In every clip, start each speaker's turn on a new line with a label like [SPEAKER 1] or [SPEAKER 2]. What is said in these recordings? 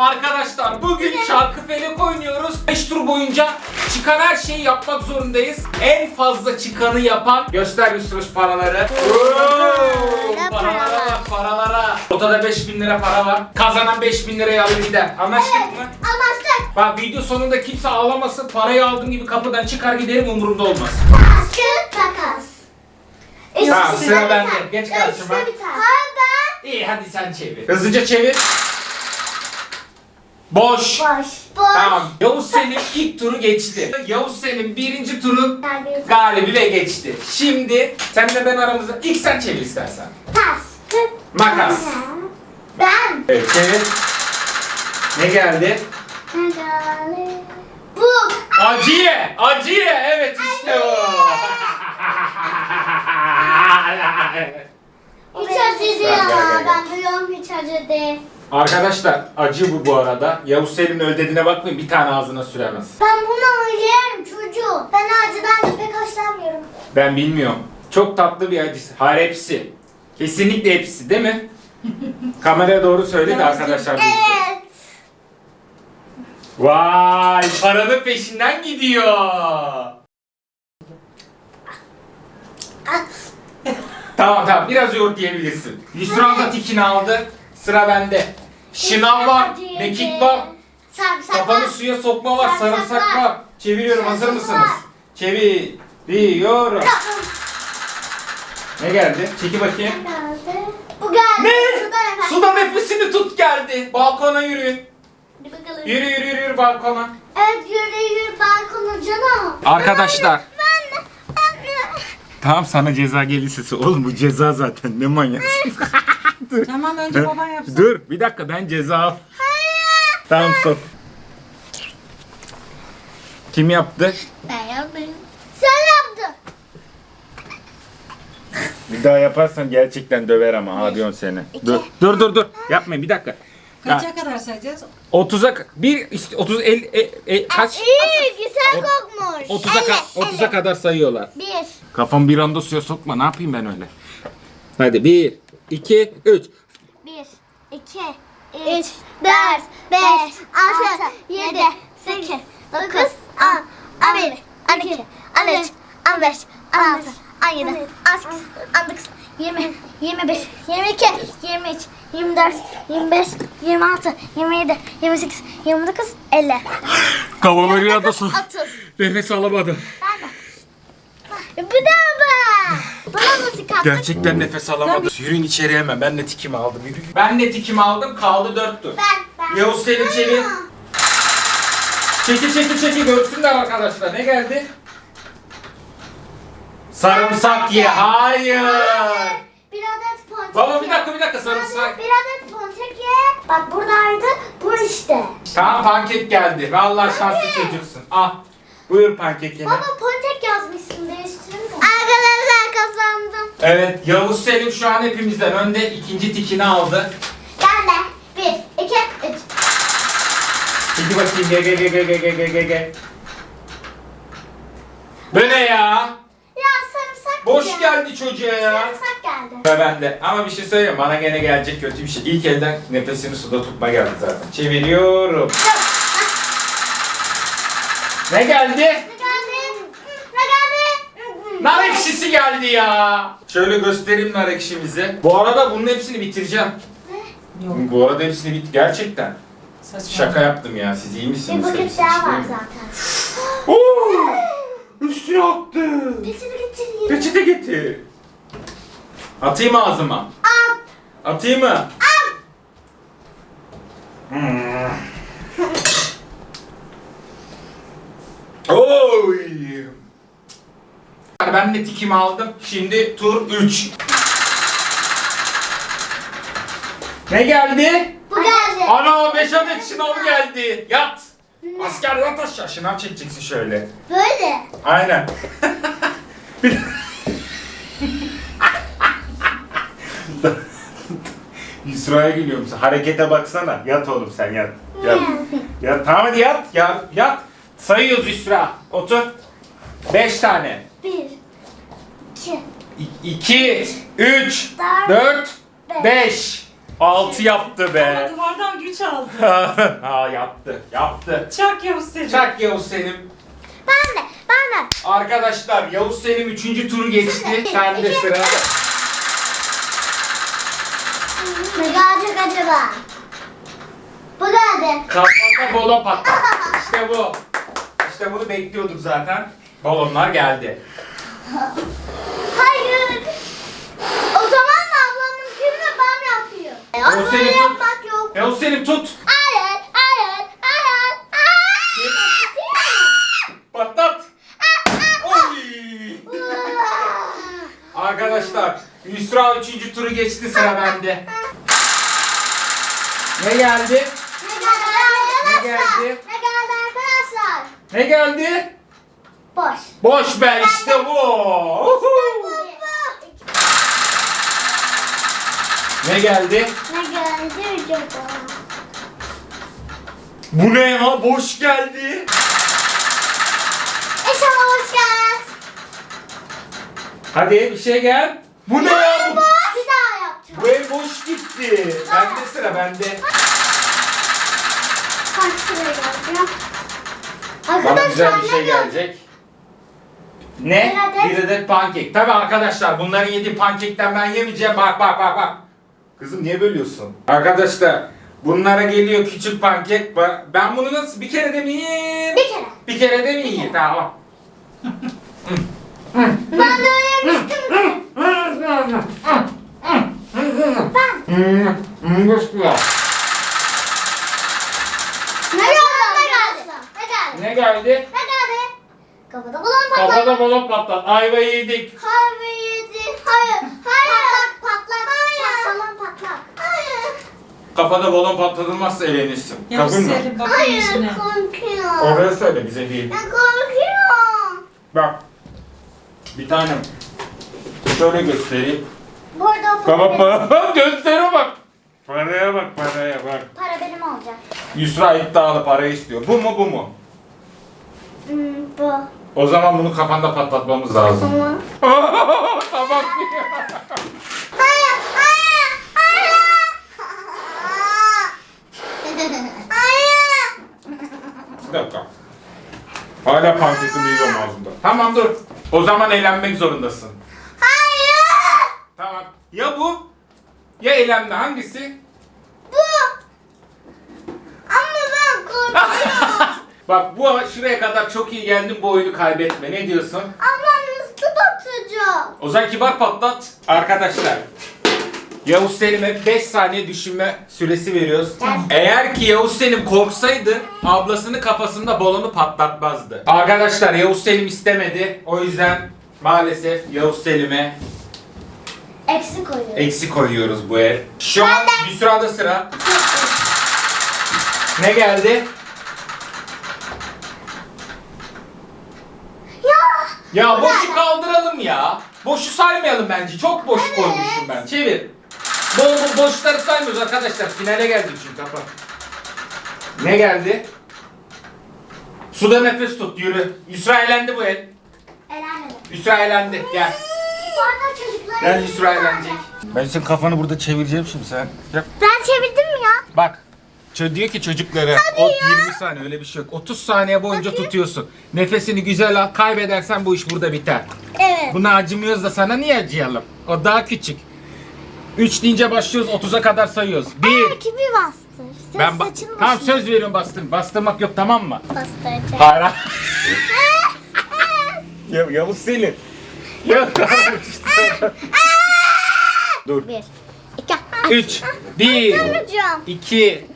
[SPEAKER 1] Arkadaşlar bugün Çarkıfelek oynuyoruz. 5 tur boyunca çıkan her şeyi yapmak zorundayız. En fazla çıkanı yapan göster Yusuf paraları. Paralara bak, paralara. Ortada 5.000 lira para var. Kazanan 5.000 lirayı alır gider. Anlaştık mı?
[SPEAKER 2] Anlaştık.
[SPEAKER 1] Bak video sonunda kimse ağlamasın. Parayı aldığım gibi kapıdan çıkar giderim, umurumda olmaz.
[SPEAKER 2] Kağıt makas.
[SPEAKER 1] Tamam, sıra bende. Geç karşıma.
[SPEAKER 2] Hayır ben.
[SPEAKER 1] İyi, hadi sen çevir. Hızlıca çevir. Boş.
[SPEAKER 2] Boş.
[SPEAKER 1] Tamam. Yavuz Selim ilk turu geçti. Yavuz Selim birinci turun galibi ve geçti. Şimdi senle ben aramızda ilk sen çevir istersen.
[SPEAKER 2] Taş.
[SPEAKER 1] Makas.
[SPEAKER 2] Ben.
[SPEAKER 1] Evet, çevir. Ne geldi?
[SPEAKER 2] Bu.
[SPEAKER 1] Acıye. Acıye. Evet, işte o.
[SPEAKER 2] Hiç acı değil ama ben biliyorum hiç acı değil.
[SPEAKER 1] Arkadaşlar acı bu arada. Yavuz Selim'in öyle dediğine bakmayın, bir tane ağzına süremez.
[SPEAKER 2] Ben bunu yerim çocuğu. Ben acıdan pek hoşlanmıyorum.
[SPEAKER 1] Ben bilmiyorum. Çok tatlı bir acısı. Hayır, hepsi. Kesinlikle hepsi, değil mi? Kameraya doğru söyledi arkadaşlar.
[SPEAKER 2] Evet.
[SPEAKER 1] Vay, paranın peşinden gidiyor. Tamam, biraz yoğurt diyebilirsin. Yusra da tikini aldı. Sıra bende. Şınav var, mekik var.
[SPEAKER 2] Sarımsak
[SPEAKER 1] Kafanı
[SPEAKER 2] var.
[SPEAKER 1] suya sokma var,
[SPEAKER 2] Sarımsak
[SPEAKER 1] sarımsak
[SPEAKER 2] var.
[SPEAKER 1] var. Çeviriyorum, hazır
[SPEAKER 2] Sarımsak
[SPEAKER 1] mısınız?
[SPEAKER 2] var.
[SPEAKER 1] Çeviriyorum. Ne geldi? Çeki bakayım.
[SPEAKER 2] Bu geldi.
[SPEAKER 1] Ne?
[SPEAKER 2] Suda efendim.
[SPEAKER 1] Suda nefesini tut geldi. Balkona yürüyün.
[SPEAKER 2] Hadi bakalım.
[SPEAKER 1] Yürü balkona.
[SPEAKER 2] Evet yürü balkona canım.
[SPEAKER 1] Arkadaşlar.
[SPEAKER 2] Ben de.
[SPEAKER 1] Tamam, sana ceza gelirse. Oğlum bu ceza zaten, ne manyaksın.
[SPEAKER 3] Tamam, önce baban yapsın.
[SPEAKER 1] Dur bir dakika, ben ceza al. Tamam, sok. Kim yaptı?
[SPEAKER 2] Ben yaptım. Sen yaptın.
[SPEAKER 1] Bir daha yaparsan gerçekten döver ama abiyon seni. Dur. Yapmayın, bir dakika.
[SPEAKER 3] Kaça kadar sayacağız?
[SPEAKER 1] 30'a 30 kaç?
[SPEAKER 2] İyi güzel kokmuş.
[SPEAKER 1] 30'a kadar sayıyorlar.
[SPEAKER 2] 1.
[SPEAKER 1] Kafam bir anda suya sokma. Ne yapayım ben öyle? Hadi 1 2 3.
[SPEAKER 2] 1, 2, 3, 4, 5, 6, 7, 8, 9, 10, 11, 12, 13, 15, 16, 17, 18, 19, 20, 21, 22, 23, 24, 25, 26, 27, 28, 29, 50.
[SPEAKER 1] Kafam bir anda su.
[SPEAKER 2] 30.
[SPEAKER 1] Nefes alamadım.
[SPEAKER 2] Bu da mı? Bana mı tıkattın?
[SPEAKER 1] Gerçekten nefes alamadım. Yürüyün içeri hemen. Ben de tikimi aldım. Yürüyün. Ben de tikimi aldım. Kaldı 4 tur.
[SPEAKER 2] Ben.
[SPEAKER 1] Yavuz Selim çevir. Çeki görsünler arkadaşlar. Ne geldi? Sarımsak ye. Hayır.
[SPEAKER 2] Bir adet ponçik
[SPEAKER 1] Baba
[SPEAKER 2] ye.
[SPEAKER 1] bir dakika sarımsak.
[SPEAKER 2] Bir adet ponçik ye. Bak buradaydı. Bu işte.
[SPEAKER 1] Tamam, pankek geldi. Vallahi şanslı çocuksun. Al. Buyur pankekini.
[SPEAKER 2] Baba ponçik yazmışsın, değiştirir mi? Arkadaşlar kazandım.
[SPEAKER 1] Evet, Yavuz Selim şu an hepimizden önde. İkinci tikini aldı.
[SPEAKER 2] Ben de. 1, 2, 3.
[SPEAKER 1] Çeki bakayım. Ge. Bu ne ya?
[SPEAKER 2] Ya sarımsak
[SPEAKER 1] Boş
[SPEAKER 2] ya.
[SPEAKER 1] geldi çocuğa ya.
[SPEAKER 2] Sarımsak geldi.
[SPEAKER 1] Ve ben de. Ama bir şey söyleyeyim, bana gene gelecek kötü bir şey. İlk elden nefesini suda tutma geldi zaten. Çeviriyorum. Ne geldi?
[SPEAKER 2] Ne geldi? Ne geldi?
[SPEAKER 1] Nar ekşisi geldi ya. Şöyle göstereyim nar ekşimizi. Bu arada bunun hepsini bitireceğim.
[SPEAKER 3] Yok.
[SPEAKER 1] Bu arada hepsini gerçekten.
[SPEAKER 3] Saçma.
[SPEAKER 1] Şaka yaptım ya. Siz iyi misiniz?
[SPEAKER 2] Bir paket
[SPEAKER 1] Hepsi
[SPEAKER 2] daha
[SPEAKER 1] işte
[SPEAKER 2] var
[SPEAKER 1] mi?
[SPEAKER 2] zaten.
[SPEAKER 1] Oo! Üstüne attı.
[SPEAKER 2] Peçete getireyim.
[SPEAKER 1] Peçete getir. Atayım mı ağzıma?
[SPEAKER 2] Al.
[SPEAKER 1] Atayım mı? Oy! Ben de tikimi aldım. Şimdi tur 3. Ne geldi?
[SPEAKER 2] Bu geldi.
[SPEAKER 1] Ana 5 adet şınav geldi. Yat. Asker yat aşağı. Şınav çekeceksin şöyle.
[SPEAKER 2] Böyle.
[SPEAKER 1] Aynen. Yusra'ya gülüyorum. Harekete baksana. Yat oğlum sen yat. Yat. Yat. Tamam hadi yat. Yat. Sayıyoruz Yusra. Otur. 5 tane.
[SPEAKER 2] 1, 2,
[SPEAKER 1] 2, 3, 4, 5. 6 yaptı be.
[SPEAKER 3] Duvardan gül Zilimi çaldı.
[SPEAKER 1] Aa yaptı. Yaptı.
[SPEAKER 3] Çak Yavuz Selim.
[SPEAKER 1] Çak Yavuz Selim.
[SPEAKER 2] Ben de.
[SPEAKER 1] Arkadaşlar Yavuz Selim 3. turu geçti. Sende sıra.
[SPEAKER 2] Ne gelecek acaba? Bu geldi.
[SPEAKER 1] Kafanda balon patlat. İşte bu. İşte bunu bekliyorduk zaten. Balonlar geldi.
[SPEAKER 2] Hayır. O zaman da ablamınkini de ben yapıyorum.
[SPEAKER 1] Yavuz
[SPEAKER 2] Aslında
[SPEAKER 1] Selim tut.
[SPEAKER 2] yapmak yok.
[SPEAKER 1] Yavuz Selim tut.
[SPEAKER 2] Hayır.
[SPEAKER 1] Patlat. Oy. Arkadaşlar Yusra 3. turu geçti, sıra bende. Ne geldi?
[SPEAKER 2] Ne geldi arkadaşlar?
[SPEAKER 1] Ne geldi?
[SPEAKER 2] Ne geldi arkadaşlar?
[SPEAKER 1] Ne geldi?
[SPEAKER 2] Boş.
[SPEAKER 1] Boş be, işte bu. Uhu. Ne geldi?
[SPEAKER 2] Ne geldi acaba?
[SPEAKER 1] Bu ne ya? Boş geldi.
[SPEAKER 2] İnşallah hoş geldin.
[SPEAKER 1] Hadi bir şey gel. Bu ne ya?
[SPEAKER 2] Bir daha yapacağım.
[SPEAKER 1] Bu ev boş gitti. Bende sıra, bende.
[SPEAKER 2] Kaç lira geldi?
[SPEAKER 1] Bana güzel bir şey
[SPEAKER 2] ne
[SPEAKER 1] gelecek. Ne? Bir adet pankek. Tabii arkadaşlar, bunların yediği pankekten ben yemeyeceğim. Bak bak bak bak. Kızım niye bölüyorsun? Arkadaşlar bunlara geliyor küçük pankek. Ben bunu nasıl bir kere de mi yiyeyim?
[SPEAKER 2] Bir kere.
[SPEAKER 1] Bir kere de mi yiyeyim? Tamam.
[SPEAKER 2] Ben de öyle yapmıştım. Ne geldi? Ne geldi?
[SPEAKER 1] Ne geldi?
[SPEAKER 2] Ne geldi? Kafada balon patladı.
[SPEAKER 1] Kafada balon patlat. Ayva yedik.
[SPEAKER 2] Harbi yedi. Hayır. Hayır. Patlak. Hayır. Balon patlak. Hayır.
[SPEAKER 1] Kafada balon patlatılmazsa elenirsin.
[SPEAKER 3] Yavuz
[SPEAKER 1] Kabul mü?
[SPEAKER 3] Selim bakın
[SPEAKER 2] Hayır.
[SPEAKER 3] yüzüne.
[SPEAKER 2] Korkuyorum.
[SPEAKER 1] Oraya söyle, bize değil.
[SPEAKER 2] Ben korkuyorum.
[SPEAKER 1] Bak. Bir tanem. Şöyle göstereyim.
[SPEAKER 2] Burada o
[SPEAKER 1] Tamam
[SPEAKER 2] para,
[SPEAKER 1] mı? Göstere bak. Paraya bak, paraya bak.
[SPEAKER 2] para benim olacak.
[SPEAKER 1] Yusra iddialı para istiyor. Bu mu, bu mu?
[SPEAKER 2] Bu.
[SPEAKER 1] O zaman bunu kafanda patlatmamız lazım.
[SPEAKER 2] Tamam.
[SPEAKER 1] Tamam.
[SPEAKER 2] Hayır. Hayır. Hayır. Hayır.
[SPEAKER 1] Bir dakika. Hala pankekimi yiyorum ağzımda. Tamam dur. O zaman eğlenmek zorundasın.
[SPEAKER 2] Hayır.
[SPEAKER 1] Tamam. Ya bu? Ya eğlenme, hangisi?
[SPEAKER 2] Bu. Ama ben korkuyorum.
[SPEAKER 1] Bak bu şuraya kadar çok iyi geldin, bu oyunu kaybetme. Ne diyorsun?
[SPEAKER 2] Ablam nasıl batacak?
[SPEAKER 1] O zaman kibar patlat. Arkadaşlar, Yavuz Selim'e 5 saniye düşünme süresi veriyoruz. Eğer ki Yavuz Selim korksaydı ablasının kafasında balonu patlatmazdı. Arkadaşlar Yavuz Selim istemedi. O yüzden maalesef Yavuz Selim'e
[SPEAKER 2] Eksi koyuyorum.
[SPEAKER 1] eksi koyuyoruz bu ev. Şu an bir sırada sıra. Ne geldi? Ya boşu kaldıralım ya. Boşu saymayalım bence. Çok boş koymuşum ben. Çevir. Boşları saymıyoruz arkadaşlar. Finale geldik çünkü, kapat. Ne geldi? Suda nefes tut, yürü. Yusra eğlendi bu el.
[SPEAKER 2] Elenmedim.
[SPEAKER 1] Yusra eğlendi. Gel.
[SPEAKER 2] Bu arada çocuklar...
[SPEAKER 1] Gel Yusra eğlenecek. Ben senin kafanı burada çevireceğim şimdi, sen. Yap.
[SPEAKER 2] Ben çevirdim mi ya?
[SPEAKER 1] Bak. Diyor ki çocuklara 20 saniye, öyle bir şey yok. 30 saniye boyunca tutuyorsun. Nefesini güzel al. Kaybedersen bu iş burada biter.
[SPEAKER 2] Evet.
[SPEAKER 1] Buna acımıyoruz da sana niye acıyalım? O daha küçük. 3 deyince başlıyoruz, 30'a kadar sayıyoruz. 1.
[SPEAKER 2] Kimi bastır? Sen
[SPEAKER 1] Ben
[SPEAKER 2] saçını
[SPEAKER 1] tamam, söz veriyorum, bastırmak yok, tamam mı?
[SPEAKER 2] bastıracak.
[SPEAKER 1] Hayır. Ya Yavuz Selim. Ya. Dur.
[SPEAKER 2] 1, 2,
[SPEAKER 1] 3 1
[SPEAKER 2] Hocam.
[SPEAKER 1] 2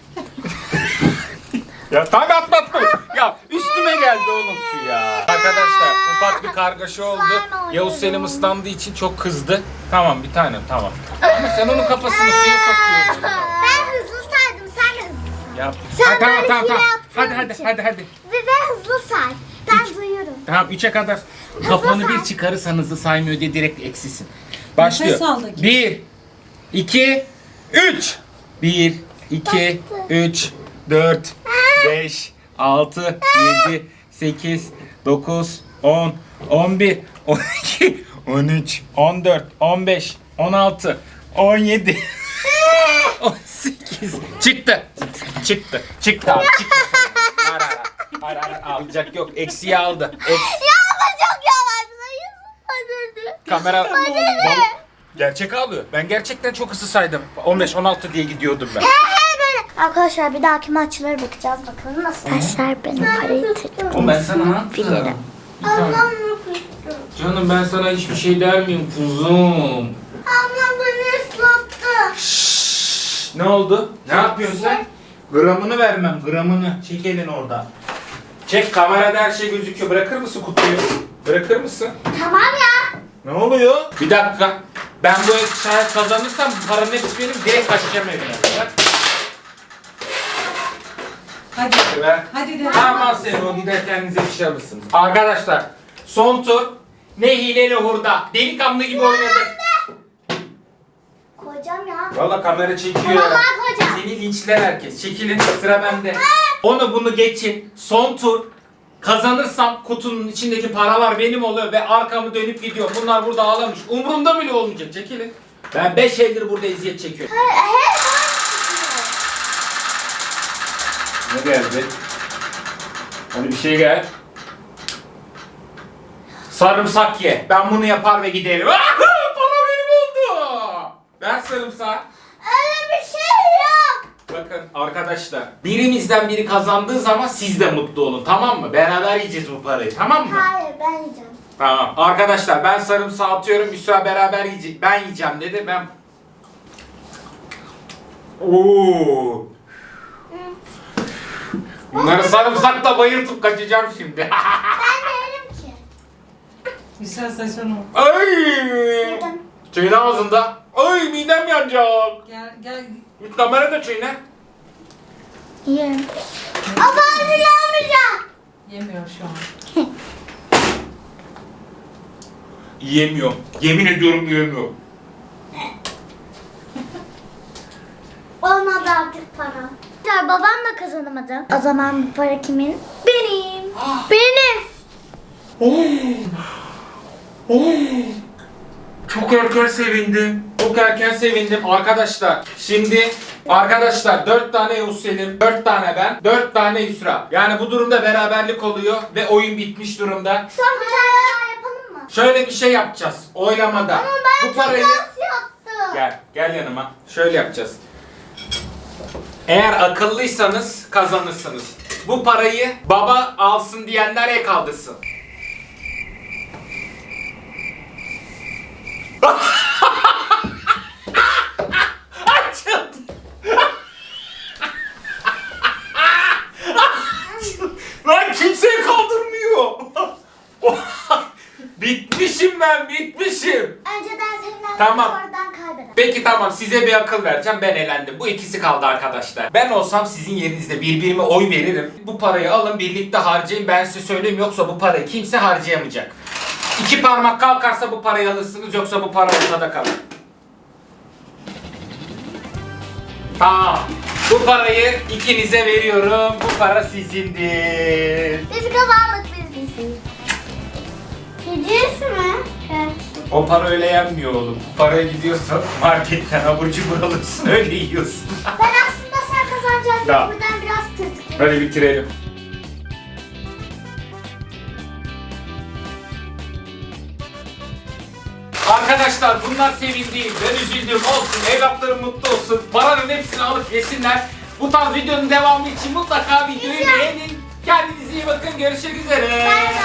[SPEAKER 1] Ya tam atlattım. Ya üstüme geldi oğlum su ya. Arkadaşlar ufak bir kargaşa oldu.
[SPEAKER 2] Slime oynuyorum.
[SPEAKER 1] Yavuz Selim ıslandığı için çok kızdı. Tamam bir tanem, tamam. Ama sen onun kafasını suya sokuyorsun.
[SPEAKER 2] Ben hızlı saydım, sen de hızlı.
[SPEAKER 1] Yap.
[SPEAKER 2] Sen
[SPEAKER 1] tamam
[SPEAKER 2] böyle
[SPEAKER 1] tamam
[SPEAKER 2] hile
[SPEAKER 1] tamam.
[SPEAKER 2] yaptığın
[SPEAKER 1] Hadi
[SPEAKER 2] için.
[SPEAKER 1] hadi.
[SPEAKER 2] Ve ben hızlı say. Ben duyuyorum.
[SPEAKER 1] Tamam 3'e kadar. Kafanı bir çıkarırsan hızlı saymıyor diye direkt eksisin. Başlıyor.
[SPEAKER 3] Nefes al da git.
[SPEAKER 1] 1 2 3 1 2 3 4 5 6 7 8 9 10 11 12 13 14 15 16 17 18 8. Çıktı. Çıktı abi. Çıktı. Ara. Alacak yok. Eksiği aldı.
[SPEAKER 2] Ya ama çok yavaşlayın. Hadi.
[SPEAKER 1] Kamera.
[SPEAKER 2] Hadi.
[SPEAKER 1] Gerçek ağlıyor. Ben gerçekten çok hızlı saydım. 15-16 diye gidiyordum ben.
[SPEAKER 2] Böyle. Arkadaşlar bir dahaki maçlara bakacağız. Bakalım nasıl. Arkadaşlar benim parayı
[SPEAKER 1] Oğlum ben sana ne yaptım?
[SPEAKER 2] bilirim.
[SPEAKER 1] Canım ben sana hiçbir şey der miyim kuzum?
[SPEAKER 2] Ablam beni ıslattı.
[SPEAKER 1] Ne oldu? Ne yapıyorsun sen? Gramını vermem, gramını. Çek elini orada. Çek, kamerada her şey gözüküyor. Bırakır mısın kutuyu? Bırakır mısın?
[SPEAKER 2] Tamam ya.
[SPEAKER 1] Ne oluyor? Bir dakika. Ben bu şayet kazanırsam paranın hepsi benim. Direkt kaçacağım evine. Bak.
[SPEAKER 3] Hadi.
[SPEAKER 1] Ver.
[SPEAKER 3] Hadi de.
[SPEAKER 1] Tamam seni o gider kendinize bir şey alırsınız. Arkadaşlar son tur. Ne hile ne hurda. Delikanlı gibi oynadık.
[SPEAKER 2] Koyacağım ya.
[SPEAKER 1] Valla kamera çekiyor.
[SPEAKER 2] Vallahi koyacağım.
[SPEAKER 1] Seni linçler herkes. Çekilin sıra bende. Onu bunu geçin. Son tur. Kazanırsam kutunun içindeki paralar benim oluyor ve arkamı dönüp gidiyor. Bunlar burada ağlamış. Umurumda bile olmayacak. Çekilin. Ben 5 aydır burada eziyet çekiyorum. Ne geldi? Hadi bir şey gel. Sarımsak ye. Ben bunu yapar ve giderim. Para benim oldu. Ver sarımsağı.
[SPEAKER 2] Öyle bir şey yok.
[SPEAKER 1] Bakın arkadaşlar. Birimizden biri kazandığı zaman siz de mutlu olun. Tamam mı? Beraber yiyeceğiz bu parayı. Tamam mı?
[SPEAKER 2] Hayır ben yiyeceğim.
[SPEAKER 1] Tamam. Arkadaşlar ben sarımsağı atıyorum. Yusra beraber yiyecek. Ben yiyeceğim dedi. Ben... Oo. Bunları sarımsakla bayıltıp kaçacağım şimdi.
[SPEAKER 2] Ben de yerim ki.
[SPEAKER 3] Güzel saçını.
[SPEAKER 1] Ay!
[SPEAKER 2] Yedim.
[SPEAKER 1] Çiğne ağzında. Ay midem yanacak.
[SPEAKER 3] Gel.
[SPEAKER 1] Bir kamera da çiğne.
[SPEAKER 2] Yerim. Ama ağzını almayacağım.
[SPEAKER 3] Yemiyor şu an.
[SPEAKER 1] Yiyemiyorum. Yemin ediyorum yiyemiyorum.
[SPEAKER 2] Olmadı artık para. Babam da kazanamadı. O zaman bu para kimin? Benim. Benim.
[SPEAKER 1] Çok erken sevindim. Çok erken sevindim arkadaşlar. Şimdi arkadaşlar 4 tane Yavuz Selim, 4 tane ben, 4 tane Yusra. Yani bu durumda beraberlik oluyor ve oyun bitmiş durumda.
[SPEAKER 2] Son bir tane daha yapalım mı?
[SPEAKER 1] Şöyle bir şey yapacağız oylamada.
[SPEAKER 2] Ama ben
[SPEAKER 1] Bu parayı...
[SPEAKER 2] çok az yaptım.
[SPEAKER 1] Gel yanıma. Şöyle yapacağız. Eğer akıllıysanız kazanırsınız. Bu parayı baba alsın diyenler el kaldırsın. Açıldı. Lan kimse kaldırmıyor. Bitmişim ben, bitmişim.
[SPEAKER 2] Önceden seninle
[SPEAKER 1] Tamam.
[SPEAKER 2] sonradan kaybeder.
[SPEAKER 1] Peki tamam, size bir akıl vereceğim, ben elendim. Bu ikisi kaldı arkadaşlar. Ben olsam sizin yerinizde birbirime oy veririm. Bu parayı alın birlikte harcayın, ben size söyleyeyim, yoksa bu parayı kimse harcayamayacak. 2 parmak kalkarsa bu parayı alırsınız, yoksa bu para ortada kalır. Tamam. Bu parayı ikinize veriyorum. Bu para sizindir.
[SPEAKER 2] Biz kazandık biz. Gidiyorsun mu? Evet.
[SPEAKER 1] O para öyle yenmiyor oğlum. Bu paraya gidiyorsan marketten abur cubur alırsın, öyle yiyorsun.
[SPEAKER 2] Ben aslında sen kazanacaksın.
[SPEAKER 1] Ya.
[SPEAKER 2] Buradan biraz tırtık.
[SPEAKER 1] Hadi bitirelim. Arkadaşlar bunlar sevindiğim, ben üzüldüğüm olsun, evlatlarım mutlu olsun, paranın hepsini alıp yesinler. Bu tarz videonun devamı için mutlaka videoyu beğenin. Kendinize iyi bakın, görüşmek üzere.